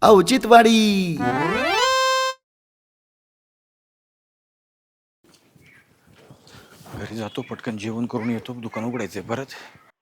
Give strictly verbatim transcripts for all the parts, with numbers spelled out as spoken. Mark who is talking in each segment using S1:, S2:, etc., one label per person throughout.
S1: औचित्यवाडी.
S2: घरी जातो पटकन जेवण करून येतो दुकान उघडायचंय परत.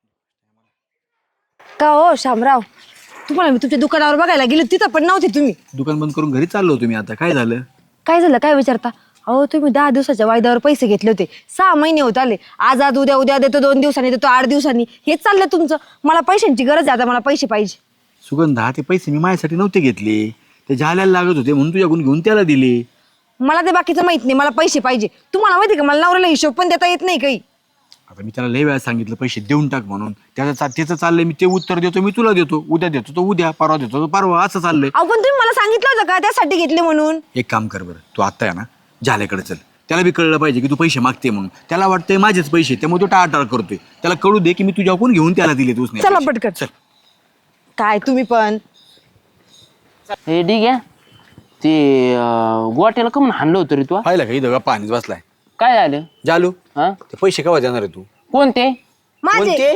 S3: का हो शामराव, तुम्हाला मी तुमच्या दुकानावर बघायला गेले तिथं पण नव्हते तुम्ही.
S2: दुकान बंद करून घरी चाललो होतो मी. आता काय झालं?
S3: काय झालं काय विचारता? अहो तुम्ही दहा दिवसाच्या वायद्यावर पैसे घेतले होते. सहा महिने होत आले. आज आज उद्या उद्या देतो, दोन दिवसांनी देतो, आठ दिवसांनी. हेच चाललंय तुमचं. मला पैशांची गरज आहे आता, मला पैसे पाहिजे.
S2: सुगंधा, ते पैसे मी माझ्यासाठी नव्हते घेतले, ते जाल्याला लागत होते म्हणून तुझ्याकडून घेऊन त्याला दिले.
S3: मला ते बाकीचं माहित नाही, मला पैसे पाहिजे. तुम्हाला माहिती का मला नवऱ्याला हिशोब पण देता येत नाही काही.
S2: आता मी त्याला लय वेळा सांगितलं पैसे देऊन टाक म्हणून. त्याचं त्याचं चाललंय, मी ते उत्तर देतो, मी तुला देतो, उद्या देतो तो उद्या, परवा देतो तो परवा, असं चाललंय.
S3: अहो पण तुम्ही मला सांगितलं होतं का त्यासाठी घेतले म्हणून?
S2: एक काम कर बरं, तू आता आहे ना जाल्याकडे चल. त्याला बी कळलं पाहिजे की तू पैसे मागते म्हणून. त्याला वाटतंय माझेच पैसे, त्यामुळे तो टाळाटाळ करतोय. त्याला कळू दे की मी तुझ्याकडून घेऊन त्याला दिले. तूच
S3: चला पटकन.
S2: चल.
S3: काय तुम्ही पण
S4: हे ठीक आहे. ते गोट्याला कमून हाणलं होतं रे तू?
S2: पाहिलं का इथं पाणीच बसलाय.
S4: काय झालं?
S2: जालू,
S4: हा
S2: ते पैसे केव्हा देणार आहे तू?
S4: कोणते?
S3: माझे.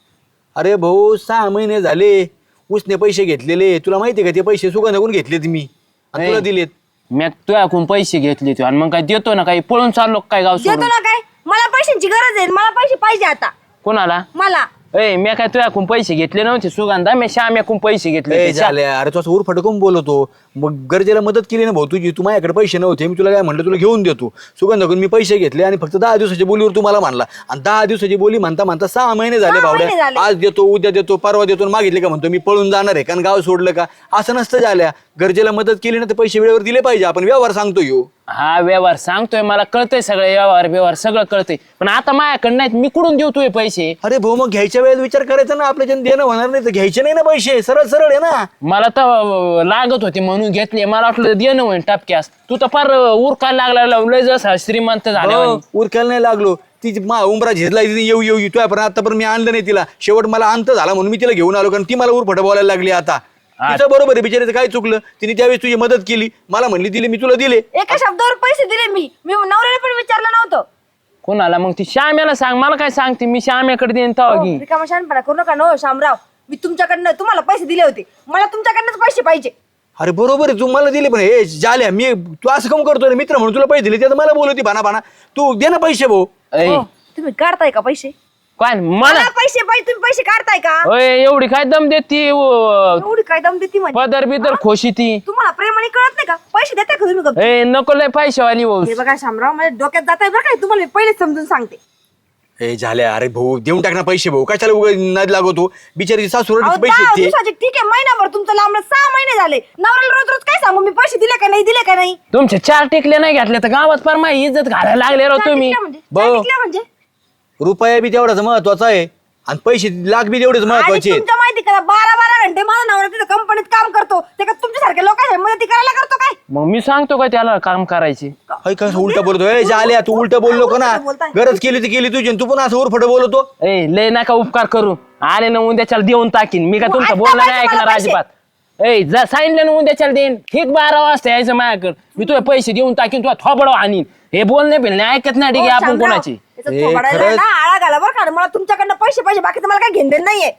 S2: अरे भाऊ, सहा महिने झाले उसने पैसे घेतलेले. तुला माहिती का ते पैसे सुगंधाकडून घेतलेत मी आणि तुला दिलेत.
S4: मी तुझ्याकडून पैसे घेतले तू आणि मग काय देतो ना? काही पळून चाललो काय गाव
S3: देतो
S4: सोडून?
S3: ना काय? मला पैशांची गरज आहे, मला पैसे पाहिजे आता.
S4: कोणाला?
S3: मला.
S4: ए मी काय तुझ्याकडून पैसे घेतले नव्हते सुगंधा, मी श्याम्याकडून पैसे घेतले
S2: ए,
S4: होते.
S2: झाले अरे तू असं उरफाट करून बोलतो. मग गरजेला मदत केली ना भाऊ तुझी. तू माझ्याकडे पैसे नव्हते, मी तुला काय म्हणलं, तुला घेऊन देतो. सुगंधाकडून मी पैसे घेतले आणि फक्त दहा दिवसाच्या बोलीवर तू मला म्हणला. आणि दहा दिवसाची बोली म्हणता म्हणता सहा महिने झाले
S3: सहा महिने
S2: भावड्या.
S3: झाले.
S2: आज देतो, उद्या देतो, परवा देतो, मागितले का म्हणतो मी पळून जाणार आहे कारण गाव सोडलं का? असं नसतं झाल्या. गरजेला मदत केली ना तर पैसे वेळेवर दिले पाहिजे. आपण व्यवहार सांगतो यो.
S4: हा व्यवहार सांगतोय, मला कळतंय सगळं व्यवहार व्यवहार सगळं कळतंय, पण आता माझ्याकडे नाहीत, मी कुठून देऊ तुझे पैसे?
S2: अरे भाऊ, मग घ्यायच्या वेळेस विचार करायचा ना. आपल्या जन देणं होणार नाही तर घ्यायचे नाही ना पैसे. सरळ सरळ आहे ना.
S4: मला तर लागत होते म्हणून घेतले. मला वाटलं देणं होईल टपक्यास. तू तर फार उरकायला लागला, लय जसा श्रीमंत झाले.
S2: हो, उरकायला नाही लागलो. ती मा उमरा झेजला येऊ येऊ येऊ पण आतापर्यंत मी आणलं नाही तिला. शेवट मला अंत झाला म्हणून मी तिला घेऊन आलो कारण ती मला उरफट बोलायला लागली. आता तिचं बरोबर आहे, बिचाराचं काय चुकलं? तिने त्यावेळेस तुझी मदत केली, मला म्हणली दिली, मी तुला दिले.
S3: एका शब्दावर पैसे दिले मी. मी नवऱ्याला पण विचारलं नव्हतं.
S4: कोणाला? मग ती श्याम्याला सांग. मला काय सांगते? मी श्याम्याकडे देईन तवा घे.
S3: रिकामा शहाणपणा करू नका नो शामराव. मी तुमच्याकडनं तुम्हाला पैसे दिले होते, मला तुमच्याकडनंच पैसे पाहिजे.
S2: अरे बरोबर आहे, तू मला दिले पण हे झाल्या. मी तू असं कम करतो रे मित्र म्हणून तुला पैसे दिले, त्यात मला बोलवती भाना भाना. तू दे ना पैसे भाऊ.
S4: ऐ,
S3: हो, तुम्ही काढताय का पैसे?
S4: काय मला?
S3: मला पैसे पाहिजे, तुम्ही पैसे काढताय का?
S4: ओय, एवढी काय दम देती?
S3: एवढी काय दम देती म्हणजे?
S4: पदर बिदर खोशी ती.
S3: तुम्हाला प्रेमाने कळत नाही का? पैसे देताय का तुम्ही गप्प?
S4: ए नको लय पैशावाली हो.
S3: हे बघा शामराव, माझ्या डोक्यात जाताय बरं काय, तुम्हाला मी पहिलेच समजून सांगते.
S2: हे झाल्या. अरे भाऊ देऊन टाक ना पैसे भाऊ. कशाला उगाच नाद लागतो? बिचारी सासू
S3: अहो,
S2: पैसे
S3: दहा
S2: देते.
S3: दिवसाचे ठीक आहे, महिनाभर तुमचं लांबलं, सहा महिने झाले. नवऱ्याला रोज रोज काय सांगू मी? पैसे दिले का नाही, दिले का नाही?
S4: तुमचे चार टिकले नाही घेतले तर गावात फार माझी इज्जत घालायला लागले राव तुम्ही.
S3: चार टिकल्या म्हणजे?
S2: भाऊ.
S3: चार टिकल्या म्हणजे?
S2: रुपया बी तेवढाच महत्वाचा आहे आणि पैसे लाख बी तेवढेच
S3: आणि
S2: महत्वाचे आहेत.
S3: तुमच्या माहिती का, बारा बारा घंटे माझा नवरा तिथं कंपनीत काम करतो. ते का तुमच्यासारख्या लोकांच्या मदती करायला करतो काय?
S4: मग मी सांगतो का त्याला काम करायचे?
S2: हाय का उलट बोलतो? झाल्या तू उलट बोललो का ना?
S3: बोलताय.
S2: गरज केली ती केली तुझी आणि तू पण असं उरफट बोलतो.
S4: ए लय नका उपकार करू. आले ना उद्याच्याला देऊन टाकीन मी. का
S3: तू
S4: तुमचं
S3: आता
S4: बोलणं नाही
S3: पाहिजे
S4: ऐकणार
S3: मला पैसे.
S4: अजिबात. ए जा सांगितलं ना उद्याच्याला देईन. ठीक बारा वाजता यायचं माझ्याकडे. मी तुझे पैसे देऊन टाकीन, तुला थोबडव आणीन. हे बोलणे बिलणे ऐकत नाही. ठीक आहे,
S3: हो,
S4: आपण
S3: शामराव,
S4: कोणाची?
S3: याचं
S2: ए,
S3: थोबाडाला
S2: खरंच.
S3: ना आळा घाला बरं का. मला तुमच्याकडनं पैसे पाहिजे, बाकी मला काय घेणं देणं नाहीये.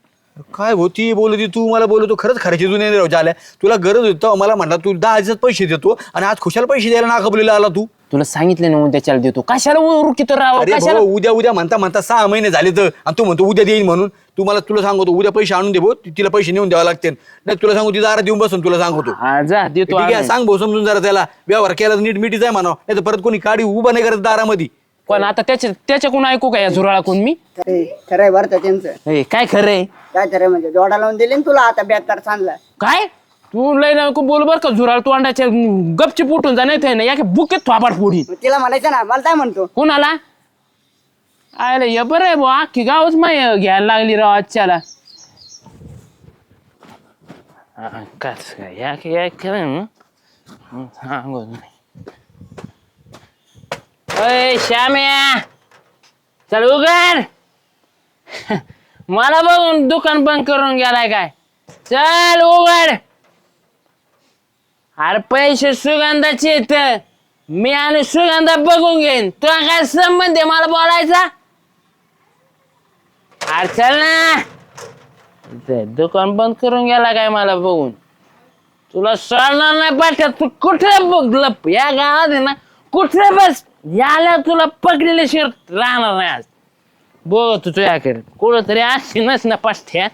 S2: काय होती बोलती तू मला बोलतो? खरंच खर्च जुने राहू झाल्या. तुला गरज होती तेव्हा मला म्हणला तू दहा दिवसात पैसे देतो आणि आज खुशाल पैसे द्यायला नाकाबलीला आला तू.
S4: तुला सांगितलं ना उद्याच्याला देतो. कशाला उरकित राव?
S2: अरे
S4: कशाला?
S2: भाऊ, उद्या उद्या म्हणता म्हणता सहा महिने झाले तर आणि तू म्हणतो उद्या देईन म्हणून. तू मला तुला सांगतो उद्या पैसे आणून दे भाऊ, तिला पैसे नेऊन द्यावा लागतील. नाही तुला सांगू तिचा आरा देऊन बसून तुला सांगतो.
S4: हा जा देतो.
S2: ठीक आहे,
S4: आणून.
S2: सांग भाऊ समजून जरा त्याला. व्यवहार केला तर नीट मिठीच आहे म्हणा, नाही तर परत कोणी काडी उभा नाही करत दारामध्ये.
S4: पण आता त्याच्या त्याच्याकडून ऐकू का या झुराळाकडून मी?
S5: खरे खरंय बरं का त्यांचं.
S4: ए काय खरंय?
S5: काय खरंय म्हणजे जोडा लावून दिले ना तुला आता बेकार सांगला.
S4: काय तू लय नको बोल बर का झुराळ. तू अंड्याच्या गपची फुटून जा, नाही ना या बुकेत थोपाट फोडी.
S5: मग तिला म्हणायचं ना, मला काय म्हणतो
S4: कोणाला? आयला ये बरं आहे बुवा, अख्खी गावच माय घ्यायला लागली राव आजच्याला. हा, काच काय या या खरं सांगू. अय श्याम्या चल उघड. मला बघून दुकान बंद करून गेलाय काय? चल उघड. अरे पैसे सुगंधाचे आहेत. मी आणि सुगंधा बघून घेईन. तुला काय संबंध आहे मला बोलायचा? अरे चल ना. ते दुकान बंद करून गेला काय मला बघून? तुला सोडणार नाही पाठ्यात. तू कुठे बघ लप या गावात आहे ना, कुठे बस याला तुला पकडलेले शिरत राहणार नाही आज. बघ तू तुझ्याकडे कुठं तरी अशी नस ना पाठ्या.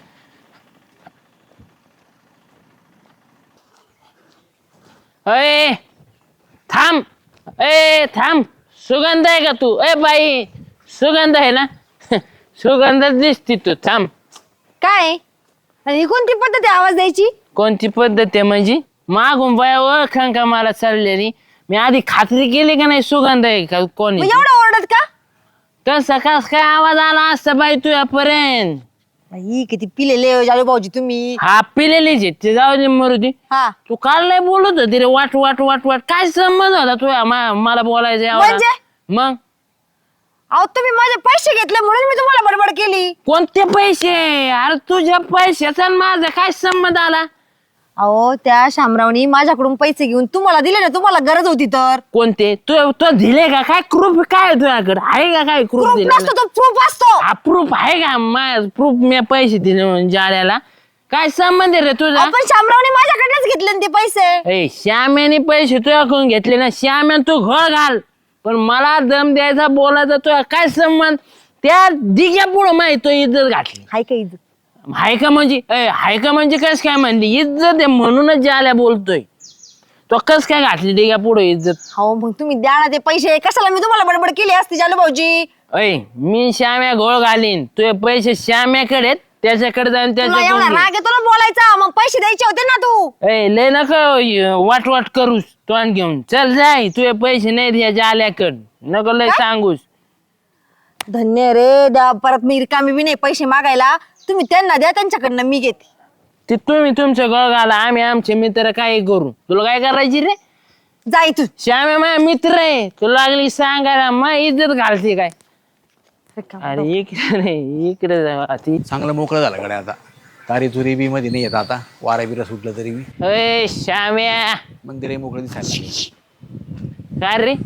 S4: अय थांब, ए थांब. सुगंध आहे का तू? ए बाई सुगंध आहे ना? सुगंध दिसती तू. थांब.
S3: काय आणि ही कोणती पद्धत आहे आवाज द्यायची?
S4: कोणती पद्धत आहे म्हणजे? मागून बाया ओळखां का मला चाललेली? मी आधी खात्री केली का नाही सुगंध आहे का कोणी?
S3: मग एवढं ओरडत का?
S4: कसा कस काय आवाज आला असता बाई तुझ्यापर्यंत?
S3: बाई किती पिलेले जालू भाऊजी तुम्ही.
S4: हा पिलेलीच आहे ते, जाऊ दे मरू दे.
S3: हा
S4: तू काल नाही बोलत होती रे वाट वाट वाट वाट. काय संबंध होता तुझ्या मा- मला बोलायचं एवढा?
S3: म्हणजे?
S4: मग
S3: अहो तुम्ही माझे पैसे घेतले म्हणून मी तुम्हाला बडबड केली.
S4: कोणते पैसे? अरे तुझ्या पैशाचा आणि माझा काय संबंध आला?
S3: अहो त्या शामरावनी माझ्याकडून पैसे घेऊन तुम्हाला दिले ना, तुम्हाला गरज होती तर.
S4: कोणते? तू तो दिले का? काय प्रूफ काय तुझ्याकडे आहे का? काय प्रूफ
S3: प्रूफ
S4: दिले?
S3: नसतो तो प्रूफ असतो.
S4: हा प्रूफ आहे का? माझ प्रूफ मी पैसे दिले म्हणून जाल्याला काय संबंध आहे रे तुझा?
S3: आपण शामरावनी माझ्याकडनंच घेतले ना ते पैसे.
S4: ए श्याम्याने पैसे तुझ्याकडून घेतले ना, श्याम्यान तू घोळ घाल. पण मला दम द्यायचा बोलायचा तुझा काय संबंध? त्या दिग्या पुढं माहिती तो इज्जत घातली.
S3: हाय का इज्जत?
S4: हाय का म्हणजे? ए हाय का म्हणजे कस काय म्हणली? इज्जत आहे म्हणूनच जाल्या बोलतोय. तो कस काय घातली दिग्या पुढं इज्जत?
S3: हो मग तुम्ही द्या ना ते पैसे. कशाला मी तुम्हाला बडबड केली असती जालू भाऊजी?
S4: अय मी श्याम्या घोळ घालीन. तुझे पैसे श्याम्याकडे आहेत, त्याच्याकडे जाऊन
S3: तुला एवढा
S4: त्याच्याकडे
S3: राग आहे तुला बोलायचा? मग पैसे द्यायचे होते ना तू.
S4: ए लय नका वाट वाट करूस तोंड घेऊन. चल जाय, तुझे पैसे नाही द्यायचे आल्याकड. नको लय सांगूस.
S3: धन्य रे द्या. परत मी रिकामी बी नाही पैसे मागायला. तुम्ही त्यांना द्या, त्यांच्याकडनं मी घेते.
S4: ते तुम्ही तुमच्या घोळ घाला, आम्ही आमचे मित्र काय करू. तुला काय करायची रे?
S3: जा इथून.
S4: श्याम्या माझा मित्र आहे, तुला लागली सांगायला मग इज्जत घालते काय? अरे इकडे रे इकडे जा ती.
S2: चांगलं मोकळं झालं कडे आता. तारी तुरी बी मध्ये नाही येत आता. वारा बिरा सुटलं तरी बी
S4: अय श्याम्या
S2: मंदिर मोकळं दिसायला लागलं.
S4: काय रे?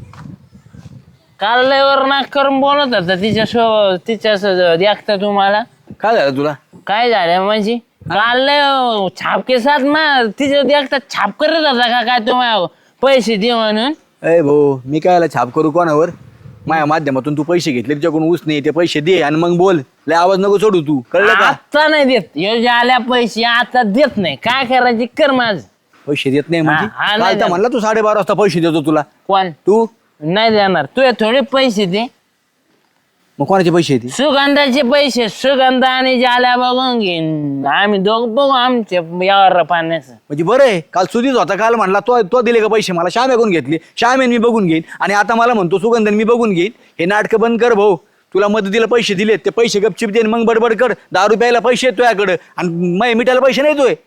S4: काल लय वर नाक करून बोलत होता तिच्या सो तिच्या देखता तुम्हाला.
S2: काय झालं तुला?
S4: काय झालं म्हणजे? काल लय छापके साथ मग तिच्या देखता छाप करत होता का काय तुम्हाला पैसे दे म्हणून?
S2: अय भाऊ मी काय छाप करू कोणावर? माझ्या माध्यमातून तू पैसे घेतले, तुझ्याकडून ऊस नाही ते पैसे दे आणि मग बोल. लय आवाज नको सोडू तू, कळलं का?
S4: आता नाही देत योजना आल्या पैसे, आता देत नाही. काय करायचे कर माझ.
S2: पैसे देत नाही म्हणजे?
S4: हा, हा, नाही
S2: काल तर
S4: देत.
S2: म्हणला तू साडेबारा वाजता पैसे देतो तुला.
S4: कोण?
S2: तू
S4: नाही देणार. तुझे थोडे पैसे दे.
S2: मग कोणाचे पैसे येते?
S4: सुगंधाचे पैसे. सुगंध आणि जाल्या बघून घेईन आम्ही दोघ बघू आमच्या यावर पाण्याचं.
S2: म्हणजे बरं आहे. काल सुधीच होता, काल म्हणला तो तो दिले का पैसे मला? श्याम ऐकून घेतले, श्यामेन मी बघून घेईन. आणि आता मला म्हणतो सुगंधन मी बघून घेईन. हे नाटकं बंद कर भाऊ. तुला मदतीला पैसे दिलेत, ते पैसे गपचिप दे मग बडबड कर. दहा रुपयाला पैसे येत तुझ्याकडं आणि मै मिठाला पैसे नाही तोय.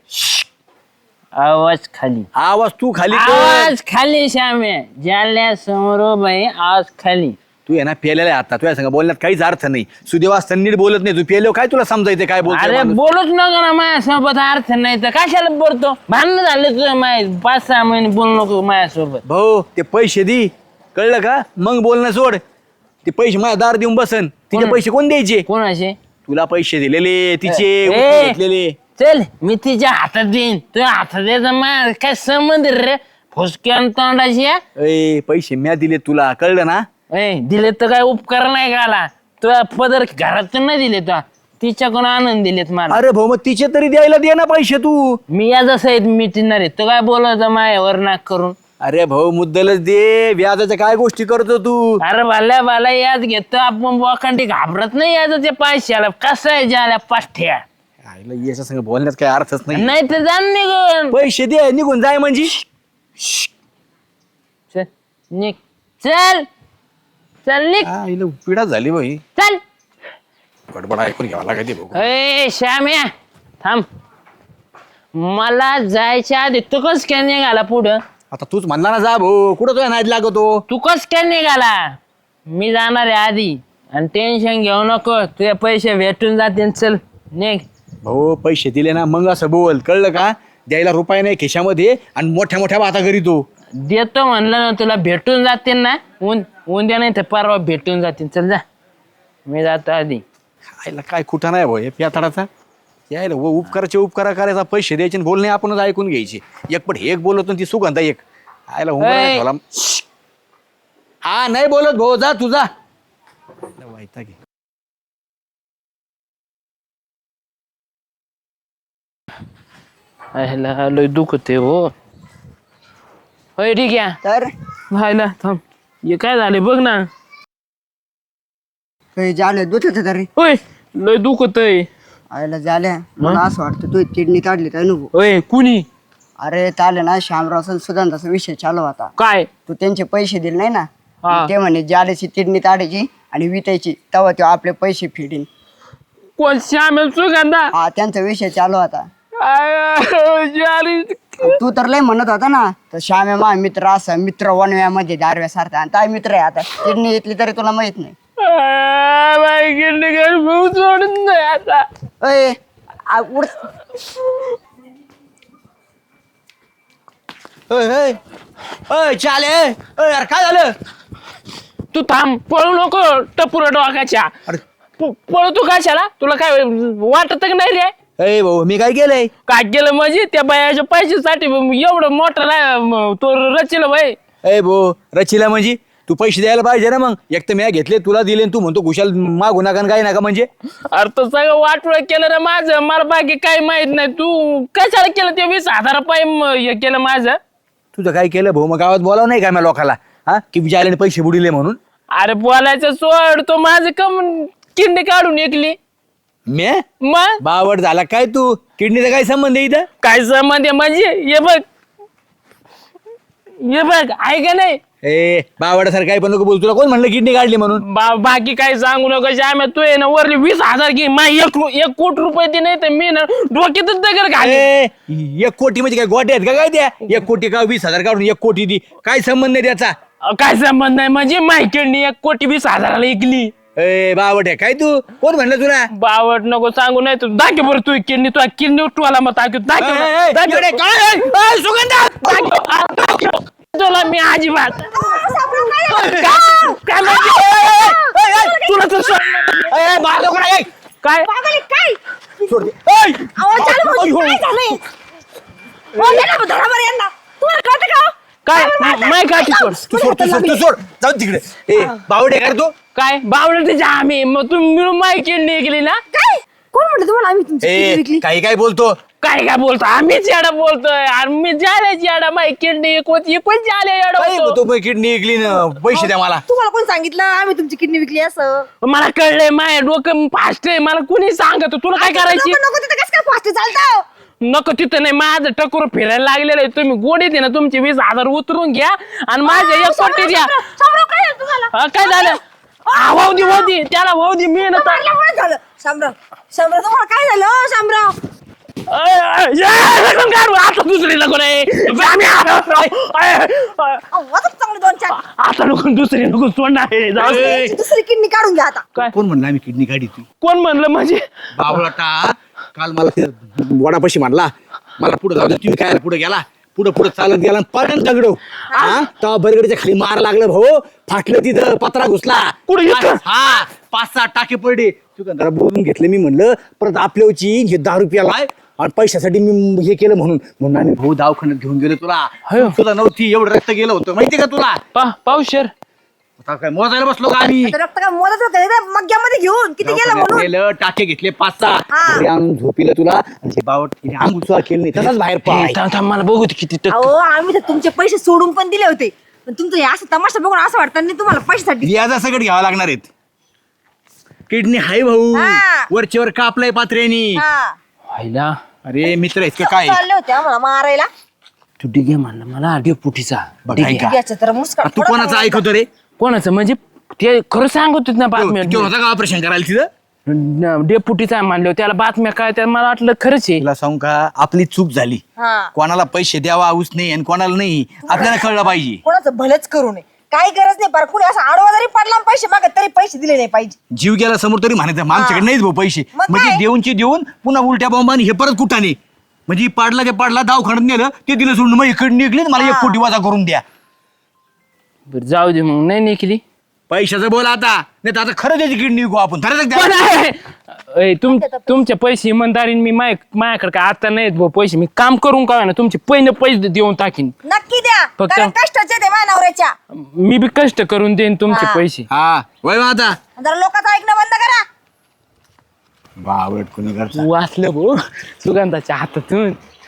S4: आवाज खाली.
S2: आवाज तू खाली कर.
S4: आवाज खाली श्याम्या. जाल्या समोर बाई आवाज खाली.
S2: तू आहे ना पेलेला आहे आता. तुझ्या संग बोलण्यात काहीच अर्थ नाही. सुदेव असताना नीट बोलत नाही. तू पेलो काय तुला समजायचं काय
S4: अरे
S2: बोलतो?
S4: बोलूच नका ना माझ्यासोबत. अर्थ नाही तर कशाला बोलतो? भांडण झाले तुझं माय पाच सहा महिने बोलू नको माझ्यासोबत.
S2: भाऊ ते पैसे दे, कळलं का? मग बोलणं सोड. ते पैसे माझ्या दार देऊन बसन. तिचे
S4: कोण?
S2: पैसे कोण द्यायचे?
S4: कोणाचे?
S2: तुला पैसे दिलेले तिचे
S4: ए,
S2: उचलून घेतलेले.
S4: चल मी तिच्या हातात देईन. तुझ्या हातात द्यायचा माझ्या काय संबंध रे? फुसक्या तोंडाची.
S2: ए पैसे म्या दिले तुला, कळलं ना?
S4: ए दिले तर काय उपकार नाही गाला. तुझ्या पदर घरातून नाही दिले तुला, तिच्याकडून आनंद दिलेत मला.
S2: अरे भाऊ मग तिचे तरी द्यायला दे ना पैसे तू.
S4: मी या जसं आहेत मिटणार आहे. तो काय बोलायचं मायावर नाक करून?
S2: अरे भाऊ मुद्दलच दे. व्याजाच्या काय गोष्टी करतो तू?
S4: अरे भल्या भला याद घेतो आपण बोकांडी घाबरत नाही याचं ते पैशाला. कसं आहे ज्याला पाठ्या
S2: आईला याच्या संग बोलण्यात काय अर्थच नाही.
S4: नाही तर जाण निघून.
S2: पैसे दे निघून जाय म्हणजे.
S4: चल निघ. चल चल निघ.
S2: आईला पिढा झाली भाई.
S4: चल.
S2: बडबड ऐकून घ्यावा लागते भाऊ.
S4: ए श्याम्या थांब. मला जायच्या आधी तू कस काय निघाला पुढं?
S2: आता तूच म्हणला ना जा भाऊ. कुठं तुझ्या नाद लागतो?
S4: तू कस काय निघाला? मी जाणार आहे आधी. आणि टेन्शन घेऊ नको, तुझे पैसे भेटून जातील. चल निघ.
S2: भाऊ पैसे दिले ना मग असं बोल, कळलं का? द्यायला रुपये नाही खिशामध्ये आणि मोठ्या मोठ्या बाता करीतो.
S4: देतो म्हणलं ना तुला, भेटून जातील ना. ऊन उद्या नाही तर परवा भेटून जातील. चल जा, मी जातो आधी.
S2: आईला काय कुठं नाही भाऊ हे प्याताडाचा. यायला व उपकाराचे उपकार करायचा पैसे द्यायचे आणि बोलणे आपणच ऐकून घ्यायचे. एक पण हे एक बोलत आणि ती सुगंधा एक आयला उंबरा
S4: ऐ.
S2: ठेवला. हा नाही बोलत भाऊ जा तुझा वैताग आहे.
S4: आयला लय दुखते हो. होय ठीक आहे.
S5: तर
S4: व्हायला थांब. हे काय झाले बघ ना.
S5: काही झालं दुखत तरी
S4: होय लय दुखतय.
S5: आयला झाल्या मला असं वाटतं तू किडनी काढली तर अनुभव.
S4: होय कुणी
S5: अरे चाले ना श्यामराव सुगंधाचा विषय चालू होता.
S4: काय
S5: तू त्यांचे पैसे दिले नाही ना
S4: हा.
S5: ते म्हणे जालेची किडनी काढायची आणि विकायची तेव्हा ते आपले पैसे फिडीन.
S4: कोण श्यामेल सुगंधा.
S5: हा त्यांचा विषय चालू होता.
S4: आय, जाली.
S5: तू तर लय म्हणत होता ना तर श्यामे मा मित्र असा मित्र वनव्यामध्ये दारव्यासारखा आणि काय मित्र आहे आता किडनी घेतली तरी तुला माहित नाही.
S4: आय, बाई किडनी घर भाऊ सोडून नाही आता.
S5: अय आ, उड
S2: अय, अय, अय, चाले अय, यार काय झालं?
S4: तू थांब पळू नको टपुरा डोकाच्या.
S2: अरे
S4: प- पळू तू कशाला तुला काय वाटत का नाही रे.
S2: अय भाऊ मी काय केलंय?
S4: काय केलं म्हणजे त्या बायाच्या पैशासाठी एवढं मोठं रा- तो रचिलं बाई.
S2: अय भाऊ रचिला म्हणजे तू पैसे द्यायला पाहिजे ना. मग एक तर मी घेतले तुला दिले आणि तू म्हणतो खुशाल मागू नका आणि काय नका म्हणजे.
S4: अरे तो सगळं वाटोळ केलं रे माझं. मला बाकी काही माहित नाही. तू कशाला केलं ते वीस हजार रुपये म- हे केलं माझं.
S2: तुझं काय केलं भाऊ? मग गावात बोलाव नाही का मी लोकाला हा की जायला पैसे बुडिले म्हणून.
S4: अरे बोलायचं सोड. तो माझं कम किडनी काढून ऐकली
S2: मी
S4: मग
S2: बावड झाला काय तू? किडनीचा काय संबंध आहे इथं?
S4: काय संबंध आहे म्हणजे हे बघ हे बघ आहे का नाही.
S2: ए बावडासारखं काय पण नको बोल. तुला कोण म्हणलं किडनी काढली म्हणून?
S4: बा बाकी काही सांगू नका श्याम्या. तू आहे ना वरली वीस हजार घे मा एक रु- एक कोटी रुपये दे नाही तर मी ना डोक्यातच दगड घाले.
S2: ए, एक कोटी म्हणजे काय गोटे आहेत का काय द्या? एक कोटी का वीस हजार काढून एक कोटी दी काय संबंध आहे त्याचा?
S4: काय संबंध नाही म्हणजे माहिती एक कोटी वीस हजाराला ऐकली.
S2: ए बावट आहे काय तू? कोण म्हणलं तुला?
S4: बावट नको सांगू नाही तू दाखव बरं तू किडनी तू किडनी उठवाला मग दाखव
S2: ए, ए, ए,
S4: दाखव
S2: इकडे काय आहे? ए, सुगंधा!
S4: दाखव दाखव. तुला मी अजिबात काय काय म्हणजे? तुला तर सोड-
S2: ए, ए, मार नको ना, ए.
S4: काय
S3: काय
S2: सोड दे. ए,
S3: अहो, चालू भाऊजी,
S2: अय्यो.
S3: काय झालंय? हो, दे ना, धरा बरं यांना. तुम्हाला कळतं का हो?
S4: काय
S3: काय मारताय?
S4: माय काठी सोड.
S2: तू सोड तू सोड तू सोड जाऊ तिकडे. ए बावट आहे का रे तू?
S4: काय बावडं त्याच्या आम्ही मग तुम्ही मिळून माय किडनी ऐकली ना.
S3: काय कोण म्हटलं तुम्हाला आम्ही तुमची किडनी
S2: ए
S3: विकली?
S2: काही काय बोलतो?
S4: काय काय बोलतो आम्हीच याडा बोलतोय आणि मी जायची याडा माय किडनी एकवत एकवत जाले
S2: काय
S4: याडा
S2: तू किडनी ऐकली ना पैसे द्या मला.
S3: तुम्हाला कोण सांगितलं आम्ही तुमची किडनी विकली असं?
S4: मला कळलंय माय डोकं फास्ट आहे. मला कुणी सांगत तुला काय करायची.
S3: नको नको तिथं कसं काय फास्ट चालतं?
S4: नको तिथं नाही. माझं टकोर फिरायला लागलेलं आहे. तुम्ही गोडीत आहे ना तुमचे वीस हजार उतरून घ्या आणि माझ्या एक कोटी द्या.
S3: शामराव, काय झालं तुम्हाला?
S4: हा, काय झालं हा, वाहू दे वाहू दे त्याला वाहू दे मी ना तर-
S3: मारल्यामुळे झालं. शामराव शामराव तुम्हाला काय झालं हो, शामराव?
S4: अय, अय, अय, नको काढू. आता दुसरी नको रे आम्ही आलो. अय, अय,
S3: अहो, वाजव चांगलं दोन चार.
S4: आता नको दुसरी नको सोडणार आहे. जाऊ दे.
S3: याची दुसरी किडनी काढून घ्या आता.
S4: काय
S2: कोण म्हणलं आम्ही किडनी काढी ती?
S4: कोण म्हणलं म्हणजे
S2: बावळाटा काल मला ते वडापाशी म्हणला मला पुढे जाऊ दे. तुम्ही काय पुढे गेला पुढे पुढे चालत गेला पर्यंत दगडो हा तेव्हा बरगडीच्या खाली मार लागलं भाऊ. फाटलं तिथं पत्रा घुसला.
S4: कुठे इथं?
S2: हा पाच सहा टाके पडले. दुकानदारा बोलून घेतले. मी म्हणलं परत आपल्याची हे दहा रुपयाला आहे आणि पैशासाठी मी हे केलं म्हणून म्हणून आम्ही भाऊ दवाखान्यात घेऊन गेलो. तुला
S4: हयो.
S2: तुला नव्हती एवढं रक्त गेलं होतं माहिती का तुला?
S4: पा पावशेर
S2: आता काय मोजायला बसलो का आम्ही?
S3: आता रक्त काय मोदत होतं मग्ग्यामध्ये घेऊन किती गेलं म्हणून?
S2: गेलं टाके घेतले पाच सहा
S3: हा.
S2: घरी आणून झोपिलं तुला आणि ते बावट अंगुचुआ केलं नाही तसंच बाहेर पळाला.
S4: थांब थांब मला बघू दे किती टक्के.
S3: अहो आम्ही तर तुमचे पैसे सोडून पण दिले होते पण तुमचं हे असं तमाशा बघून असं वाटतं नाही तुम्हाला पैशासाठी.
S2: व्याजा सगळं घ्यावं लागणार आहेत. किडनी हाय भाऊ
S3: हा.
S2: वरचेवर कापलंय पात्र्यानी.
S3: हा.
S4: व्हायला
S2: अरे मित्र आहेत का काय?
S3: चालले होते आम्हाला मारायला.
S4: तू डिगे म्हणलं मला आडिओ पुटीचा
S2: बघ,
S4: डिगे.
S2: ऐका.
S3: याचं तर मुस्कान
S2: तू कोणाचं ऐकतो रे?
S4: कोणाचं म्हणजे ते खरं सांगत होत ना
S2: तो
S4: बातम्या
S2: तो होता का ऑपरेशन करायला तिथं?
S4: डेपुटीचा म्हणलं त्याला बातम्या काय त्या मला वाटलं खरंच आहे.
S2: तुला सांगू का आपली चूक झाली.
S3: हा.
S2: कोणाला पैसे द्यावा आऊस नाही आणि कोणाला नाही आपल्याला कळलं पाहिजे.
S3: कोणाचं भलंच करू नये काही गरज नाही पर कुणी असं आडवा जरी पडला आणि पैसे मागत तरी पैसे दिले नाही पाहिजे.
S2: जीव गेला समोर तरी म्हणायचं मग आमच्याकडे नाहीच भाऊ पैसे.
S3: मग
S2: म्हणजे
S3: काय?
S2: देऊनची देऊन पुन्हा उलट्या बॉम्बाने हे परत कुठाने म्हणजे पाडला ते पाडला दवाखान्यात नेलं ते दिलं सोडून मग इकडे निघले मला एक
S3: हा.
S2: कोटी वाजा करून द्या.
S4: बरं जाऊ दे मग नाही निघली.
S2: पैशाचं बोल आता नाही तर आता खरं त्याची किडनी विकू आपण खरंच द्या.
S4: पण आहे. ए, तुम तुमचे पैसे इमानदारीने मी माय माझ्याकडे काय आता नाहीत भाऊ पैसे मी काम करून का ना तुमचे पहिने पैसे देऊन टाकीन
S3: नक्की द्या
S4: फक्त-
S3: कारण कष्टाचे ते माझ्या नवऱ्याच्या
S4: मी बी कष्ट करून देईन तुमचे
S3: हा.
S4: पैसे
S2: हा वय मग आता
S3: जरा लोकांचं ऐकणं बंद करा.
S2: बावळट कोणी करता
S4: वाचलं भाऊ सुगंधाच्या हातातून